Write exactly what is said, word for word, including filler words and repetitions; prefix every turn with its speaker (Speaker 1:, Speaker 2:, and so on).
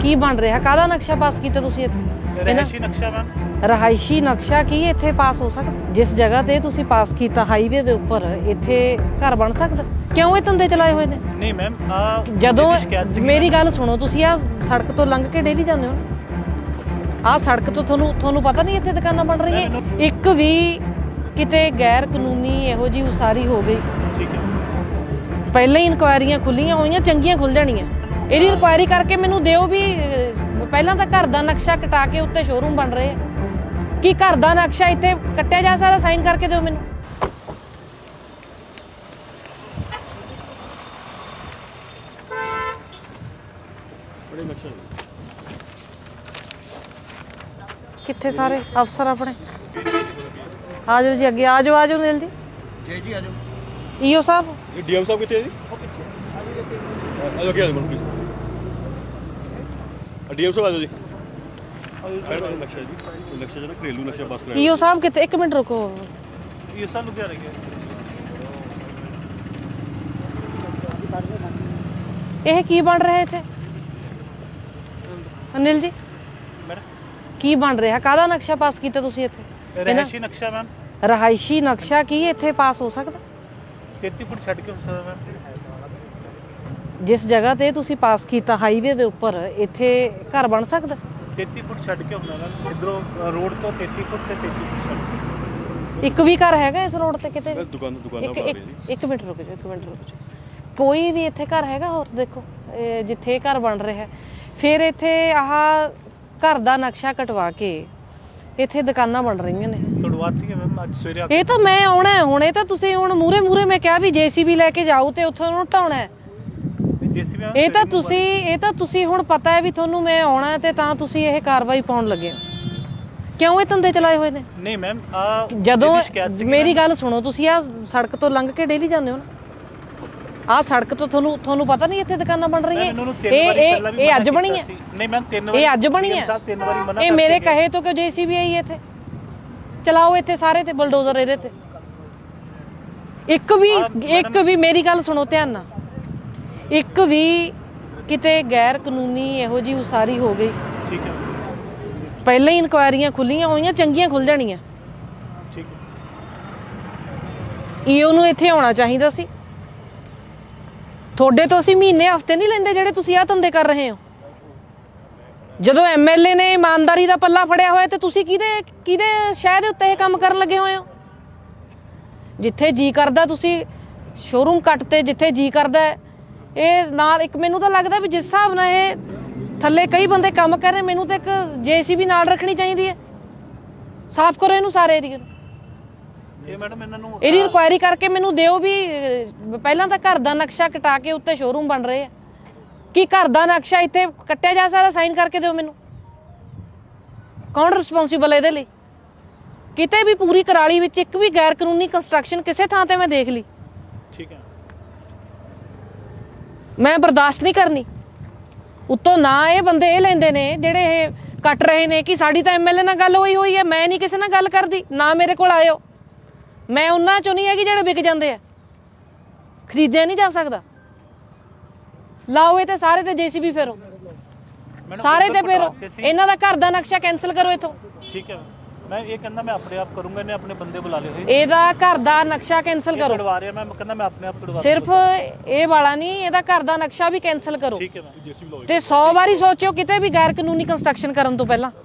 Speaker 1: ਕੀ ਬਣ ਰਿਹਾ, ਕਾਹਦਾ ਨਕਸ਼ਾ ਪਾਸ ਕੀਤਾ ਤੁਸੀਂ ਇੱਥੇ?
Speaker 2: ਰਹਾਇਸ਼ੀ ਨਕਸ਼ਾ ਮੈਮ।
Speaker 1: ਰਹਾਇਸ਼ੀ ਨਕਸ਼ਾ ਕੀ ਇੱਥੇ ਪਾਸ ਹੋ ਸਕਦਾ? ਜਿਸ ਜਗ੍ਹਾ ਤੇ ਤੁਸੀਂ ਪਾਸ ਕੀਤਾ ਹਾਈਵੇ ਦੇ ਉੱਪਰ, ਇੱਥੇ ਘਰ ਬਣ ਸਕਦਾ? ਕਿਉਂ ਇਹ ਧੰਦੇ ਚਲਾਏ ਹੋਏ ਨੇ?
Speaker 2: ਨਹੀਂ ਮੈਮ,
Speaker 1: ਜਦੋਂ ਮੇਰੀ ਗੱਲ ਸੁਣੋ, ਤੁਸੀਂ ਆ ਸੜਕ ਤੋਂ ਲੰਘ ਕੇ ਡੇਲੀ ਜਾਂਦੇ ਹੋ, ਆਹ ਸੜਕ ਤੋਂ ਤੁਹਾਨੂੰ ਤੁਹਾਨੂੰ ਪਤਾ ਨਹੀਂ ਇੱਥੇ ਦੁਕਾਨਾਂ ਬਣ ਰਹੀਆਂ? ਇੱਕ ਵੀ ਕਿਤੇ ਗੈਰ ਕਾਨੂੰਨੀ ਇਹੋ ਜਿਹੀ ਉਸਾਰੀ ਹੋ ਗਈ,
Speaker 2: ਠੀਕ ਹੈ,
Speaker 1: ਪਹਿਲਾਂ ਹੀ ਇਨਕੁਆਇਰੀਆਂ ਖੁੱਲੀਆਂ ਹੋਈਆਂ, ਚੰਗੀਆਂ ਖੁੱਲ ਜਾਣੀਆਂ। ਇਹਦੀ ਇਨਕੁਆਇਰੀ ਕਰਕੇ ਮੈਨੂੰ ਦਿਓ ਵੀ। ਪਹਿਲਾਂ ਤਾਂ ਘਰ ਦਾ ਨਕਸ਼ਾ ਕਟਾ ਕੇ ਉੱਤੇ ਸ਼ੋਰੂਮ ਬਣ ਰਹੇ ਆ। ਕੀ ਘਰ ਦਾ ਨਕਸ਼ਾ ਇੱਥੇ ਕੱਟਿਆ ਜਾ ਸਕਦਾ? ਸਾਈਨ ਕਰਕੇ ਦਿਓ ਮੈਨੂੰ। ਕਿੱਥੇ ਸਾਰੇ ਅਫਸਰ ਆਪਣੇ? ਆ ਜਾਓ ਜੀ, ਅੱਗੇ ਆ ਜਾਓ, ਆ ਜਾਓ ਨੀਲ ਜੀ।
Speaker 3: ਜੀ ਜੀ ਆ ਜਾਓ।
Speaker 1: ਈਓ ਸਾਹਿਬ,
Speaker 3: ਇਹ ਡੀਐਮ ਸਾਹਿਬ ਕਿੱਥੇ ਹੈ ਜੀ? ਆ ਜਾਓ, ਕੀ ਆ ਜਾਓ ਮਨ ਪਲੀਜ਼। ਡੀਐਮ ਸਾਹਿਬ ਆ ਜਾਓ ਜੀ। ਨਕਸ਼ਾ ਜੀ, ਨਕਸ਼ਾ ਜਿਹੜਾ ਘਰੇਲੂ ਨਕਸ਼ਾ ਪਾਸ ਕਰਾਇਆ।
Speaker 1: ਈਓ ਸਾਹਿਬ ਕਿੱਥੇ? ਇੱਕ ਮਿੰਟ ਰੁਕੋ।
Speaker 2: ਇਹ ਸਾਨੂੰ ਕੀ ਰਹਿ ਗਿਆ?
Speaker 1: ਇਹ ਕੀ ਬਣ ਰਿਹਾ ਇੱਥੇ ਅਨਿਲ ਜੀ?
Speaker 2: ਮੈਡਮ
Speaker 1: ਕੀ ਬਣ ਰਿਹਾ, ਕਾਹਦਾ ਨਕਸ਼ਾ ਪਾਸ ਕੀਤਾ ਤੁਸੀਂ ਇੱਥੇ?
Speaker 2: ਰਹਾਇਸ਼ੀ ਨਕਸ਼ਾ ਮੈਮ।
Speaker 1: ਰਹਾਇਸ਼ੀ ਨਕਸ਼ਾ ਕੀ ਇੱਥੇ ਪਾਸ ਹੋ ਸਕਦਾ?
Speaker 2: ਤੇਤੀ ਫੁੱਟ ਛੱਡ ਕੇ ਹੋ ਸਕਦਾ ਮੈਮ।
Speaker 1: ਜਿਸ ਜਗ੍ਹਾ ਤੇ ਤੁਸੀਂ ਪਾਸ ਕੀਤਾ ਹਾਈਵੇ ਦੇ ਉੱਪਰ, ਇੱਥੇ ਘਰ ਬਣ ਸਕਦਾ?
Speaker 2: ਤੇਤੀ ਫੁੱਟ ਛੱਡ ਕੇ ਹੁੰਦਾ ਮੈਮ। ਇਧਰੋਂ ਰੋਡ ਤੋਂ ਤੇਤੀ ਫੁੱਟ ਤੇ ਤੇਤੀ ਫੁੱਟ ਛੱਡ ਕੇ।
Speaker 1: ਇੱਕ ਵੀ ਘਰ ਹੈਗਾ ਇਸ ਰੋਡ ਤੇ ਕਿਤੇ?
Speaker 3: ਦੁਕਾਨ ਦੁਕਾਨਾਂ
Speaker 1: ਇੱਕ
Speaker 3: ਬਣਾ
Speaker 1: ਇੱਕ
Speaker 3: ਰਹੇ ਜੀ।
Speaker 1: ਇੱਕ ਮਿੰਟ ਰੁਕ ਜਾਓ, ਇੱਕ ਮਿੰਟ ਰੁਕ ਜਾਓ। ਕੋਈ ਵੀ ਇੱਥੇ ਘਰ ਹੈਗਾ? ਹੋਰ ਦੇਖੋ, ਇਹ ਜਿੱਥੇ ਘਰ ਬਣ ਰਿਹਾ, ਫਿਰ ਇੱਥੇ ਆਹ ਘਰ ਦਾ ਨਕਸ਼ਾ ਕਟਵਾ ਕੇ ਇੱਥੇ ਦੁਕਾਨਾਂ ਬਣ ਰਹੀਆਂ ਨੇ।
Speaker 2: ਤੁੜਵਾਤੀ ਹੈ ਮੈਮ, ਅੱਜ ਸਵੇਰੇ ਆ
Speaker 1: ਇਹ ਤਾਂ ਮੈਂ ਆਉਣਾ ਹੈ ਹੁਣ। ਇਹ ਤਾਂ ਤੁਸੀਂ ਹੁਣ ਮੂਰੇ ਮੂਰੇ ਮੈਂ ਕਿਹਾ ਵੀ ਜੇਸੀਬੀ ਲੈ ਕੇ ਜਾਓ ਤੇ ਉੱਥੋਂ ਨੂੰ ਢਾਉਣਾ ਹੈ।
Speaker 2: JCB ma'am.
Speaker 1: ਇਹ ਤਾਂ ਤੁਸੀਂ ਇਹ ਤਾਂ ਤੁਸੀਂ ਹੁਣ ਪਤਾ ਹੈ ਵੀ ਤੁਹਾਨੂੰ ਮੈਂ ਆਉਣਾ ਤੇ ਤਾਂ ਤੁਸੀਂ ਇਹ ਕਾਰਵਾਈ ਪਾਉਣ ਲੱਗੇ ਹੋ। ਕਿਉਂ ਇਹ ਧੰਦੇ ਚਲਾਏ ਹੋਏ ਨੇ?
Speaker 2: ਨਹੀਂ ਮੈਮ, ਆ
Speaker 1: ਜਦੋਂ ਮੇਰੀ ਗੱਲ ਸੁਣੋ, ਤੁਸੀਂ ਆ ਸੜਕ ਤੋਂ ਲੰਘ ਕੇ ਡੇਲੀ ਜਾਂਦੇ ਹੋ ਨਾ, ਆਹ ਸੜਕ ਤੋਂ ਤੁਹਾਨੂੰ ਤੁਹਾਨੂੰ ਪਤਾ ਨਹੀਂ ਇੱਥੇ ਦੁਕਾਨਾਂ ਬਣ ਰਹੀਆਂ? ਇਹ ਇਹ ਇਹ ਅੱਜ ਬਣੀ ਹੈ?
Speaker 2: ਨਹੀਂ ਮੈਮ, ਤਿੰਨ ਵਾਰੀ
Speaker 1: ਇਹ ਅੱਜ ਬਣੀ ਹੈ?
Speaker 2: ਤਿੰਨ ਵਾਰੀ ਮਨਾ
Speaker 1: ਇਹ ਮੇਰੇ ਕਹੇ ਤੋਂ ਕਿਉਂ ਜੇਸੀਬੀ ਆਈ ਇੱਥੇ? ਚਲਾਓ ਇੱਥੇ ਸਾਰੇ ਤੇ ਬਲਡੋਜ਼ਰ ਇਹਦੇ ਤੇ। ਇੱਕ ਵੀ ਇੱਕ ਵੀ ਮੇਰੀ ਗੱਲ ਸੁਣੋ ਧਿਆਨ ਨਾਲ, ਇੱਕ ਵੀ ਕਿਤੇ ਗੈਰ ਕਾਨੂੰਨੀ ਇਹੋ ਜਿਹੀ ਉਸਾਰੀ ਹੋ ਗਈ,
Speaker 2: ਠੀਕ ਹੈ,
Speaker 1: ਪਹਿਲਾਂ ਹੀ ਇਨਕੁਆਇਰੀਆਂ ਖੁੱਲੀਆਂ ਹੋਈਆਂ, ਚੰਗੀਆਂ ਖੁੱਲ ਜਾਣੀਆਂ।
Speaker 2: ਠੀਕ ਹੈ।
Speaker 1: ਈਓ ਨੂੰ ਇੱਥੇ ਆਉਣਾ ਚਾਹੀਦਾ ਸੀ। ਤੁਹਾਡੇ ਤੋਂ ਅਸੀਂ ਮਹੀਨੇ ਹਫ਼ਤੇ ਨਹੀਂ ਲੈਂਦੇ ਜਿਹੜੇ ਤੁਸੀਂ ਆਹ ਧੰਦੇ ਕਰ ਰਹੇ ਹੋ। ਜਦੋਂ ਐਮਐਲਏ ਨੇ ਇਮਾਨਦਾਰੀ ਦਾ ਪੱਲਾ ਫੜਿਆ ਹੋਇਆ ਤੇ ਤੁਸੀਂ ਕਿਹਦੇ ਕਿਹਦੇ ਸ਼ਹਿਰ ਦੇ ਉੱਤੇ ਇਹ ਕੰਮ ਕਰਨ ਲੱਗੇ ਹੋਏ ਹੋ? ਜਿੱਥੇ ਜੀ ਕਰਦਾ ਤੁਸੀਂ ਸ਼ੋਰੂਮ ਕੱਟ ਤੇ, ਜਿੱਥੇ ਜੀ ਕਰਦਾ ਇਹ ਨਾਲ। ਇੱਕ ਮੈਨੂੰ ਤਾਂ ਲੱਗਦਾ ਵੀ ਜਿਸ ਹਿਸਾਬ ਨਾਲ ਇਹ ਥੱਲੇ ਕਈ ਬੰਦੇ ਕੰਮ ਕਰ ਰਹੇ, ਮੈਨੂੰ ਤਾਂ ਇੱਕ ਜੇਸੀਬੀ ਨਾਲ ਰੱਖਣੀ ਚਾਹੀਦੀ ਹੈ। ਸਾਫ਼ ਕਰੋ ਇਹਨੂੰ ਸਾਰੇ ਏਰੀਏ ਨੂੰ।
Speaker 2: ਇਹ ਮੈਡਮ ਇਹਨਾਂ ਨੂੰ
Speaker 1: ਇਹਦੀ ਇਨਕੁਆਇਰੀ ਕਰਕੇ ਮੈਨੂੰ ਦਿਓ ਵੀ। ਪਹਿਲਾਂ ਤਾਂ ਘਰ ਦਾ ਨਕਸ਼ਾ ਕਟਾ ਕੇ ਉੱਤੇ ਸ਼ੋਰੂਮ ਬਣ ਰਹੇ ਆ। ਕੀ ਘਰ ਦਾ ਨਕਸ਼ਾ ਇੱਥੇ ਕੱਟਿਆ ਜਾ ਸਕਦਾ? ਸਾਈਨ ਕਰਕੇ ਦਿਓ ਮੈਨੂੰ। ਕੌਣ ਰਿਸਪੌਂਸੀਬਲ ਹੈ ਇਹਦੇ ਲਈ? ਕਿਤੇ ਵੀ ਪੂਰੀ ਕਰਾਲੀ ਵਿੱਚ ਇੱਕ ਵੀ ਗੈਰ ਕਾਨੂੰਨੀ ਕੰਸਟਰਕਸ਼ਨ ਕਿਸੇ ਥਾਂ ਤੇ ਮੈਂ ਦੇਖ ਲਈ,
Speaker 2: ਠੀਕ ਹੈ,
Speaker 1: ਮੈਂ ਬਰਦਾਸ਼ਤ ਨਹੀਂ ਕਰਨੀ। ਉੱਤੋਂ ਨਾ ਇਹ ਬੰਦੇ ਇਹ ਲੈਂਦੇ ਨੇ ਜਿਹੜੇ ਇਹ ਕੱਟ ਰਹੇ ਨੇ ਕਿ ਸਾਡੀ ਤਾਂ ਐਮਐਲਏ ਨਾਲ ਗੱਲ ਹੋਈ ਹੋਈ ਹੈ, ਮੈਂ ਨਹੀਂ ਕਿਸੇ ਨਾਲ ਗੱਲ ਕਰਦੀ, ਨਾ ਮੇਰੇ ਕੋਲ ਆਇਓ। ਮੈਂ ਉਹਨਾਂ ਚੋਂ ਨਹੀਂ ਹੈਗੀ ਜਿਹੜੇ ਵਿਕ ਜਾਂਦੇ ਆ, ਖਰੀਦਿਆ ਨਹੀਂ ਜਾ ਸਕਦਾ। ਲਾਓ ਇਹ ਤੇ ਸਾਰੇ ਤੇ ਜੇਸੀਬੀ ਫੇਰੋ, ਸਾਰੇ ਤੇ ਫੇਰੋ। ਇਹਨਾਂ ਦਾ ਘਰ ਦਾ ਨਕਸ਼ਾ ਕੈਂਸਲ ਕਰੋ ਇਥੋਂ।
Speaker 2: ਠੀਕ ਹੈ। ਮੈਂ ਇਹ ਕਹਿੰਦਾ ਮੈਂ ਆਪਣੇ ਆਪ ਕਰੂੰਗਾ, ਇਹਨੇ ਆਪਣੇ ਬੰਦੇ ਬੁਲਾ ਲਏ ਹੋਏ।
Speaker 1: ਇਹਦਾ ਘਰ ਦਾ ਨਕਸ਼ਾ ਕੈਂਸਲ ਕਰੋ।
Speaker 2: ਤੁੜਵਾ ਰਿਹਾ ਮੈਂ ਕਹਿੰਦਾ ਮੈਂ ਆਪਣੇ ਆਪ ਤੁੜਵਾ।
Speaker 1: ਸਿਰਫ ਇਹ ਵਾਲਾ ਨਹੀਂ, ਇਹਦਾ ਘਰ ਦਾ ਨਕਸ਼ਾ ਵੀ ਕੈਂਸਲ ਕਰੋ।
Speaker 2: ਠੀਕ ਹੈ ਮੈਮ।
Speaker 1: ਤੇ ਸੌ ਵਾਰੀ ਸੋਚੋ ਕਿਤੇ ਵੀ ਗੈਰ ਕਾਨੂੰਨੀ ਕੰਸਟਰਕਸ਼ਨ ਕਰਨ ਤੋਂ ਪਹਿਲਾਂ।